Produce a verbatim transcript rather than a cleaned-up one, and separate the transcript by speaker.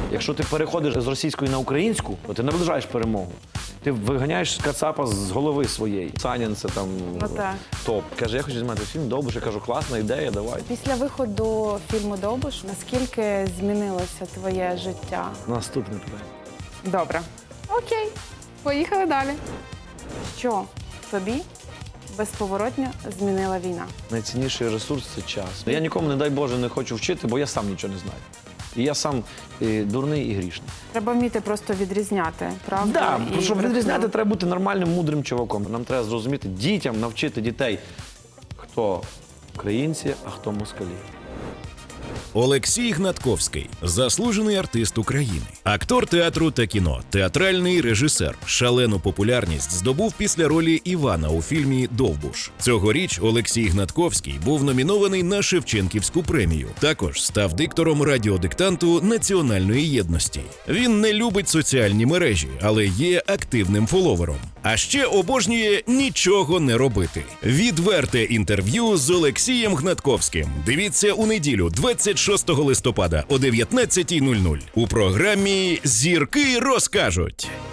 Speaker 1: Якщо ти переходиш з російської на українську, то ти наближаєш перемогу. Ти виганяєш Кацапа з голови своєї. Санін це там
Speaker 2: Ну, так.
Speaker 1: топ. Каже, я хочу знімати фільм «Довбуш». Я кажу, класна ідея, давай.
Speaker 2: Після виходу фільму «Довбуш» наскільки змінилося твоє життя?
Speaker 1: Наступне питання.
Speaker 2: Добре. Окей. Поїхали далі. Що тобі безповоротно змінила війна?
Speaker 1: Найцінніший ресурс – це час. Я нікому, не дай Боже, не хочу вчити, бо я сам нічого не знаю. І я сам і дурний і грішний.
Speaker 2: Треба вміти просто відрізняти, правду?
Speaker 1: Так,
Speaker 2: і
Speaker 1: щоб
Speaker 2: брехню.
Speaker 1: відрізняти, треба бути нормальним, мудрим чуваком. Нам треба зрозуміти, дітям навчити дітей, хто українці, а хто москалі.
Speaker 3: Олексій Гнатковський – заслужений артист України, актор театру та кіно, театральний режисер. Шалену популярність здобув після ролі Івана у фільмі «Довбуш». Цьогоріч Олексій Гнатковський був номінований на Шевченківську премію. Також став диктором радіодиктанту Національної єдності. Він не любить соціальні мережі, але є активним фоловером. А ще обожнює нічого не робити. Відверте інтерв'ю з Олексієм Гнатковським. Дивіться у неділю, двадцять шостого листопада о дев'ятнадцятій нуль нуль у програмі «Зірки розкажуть».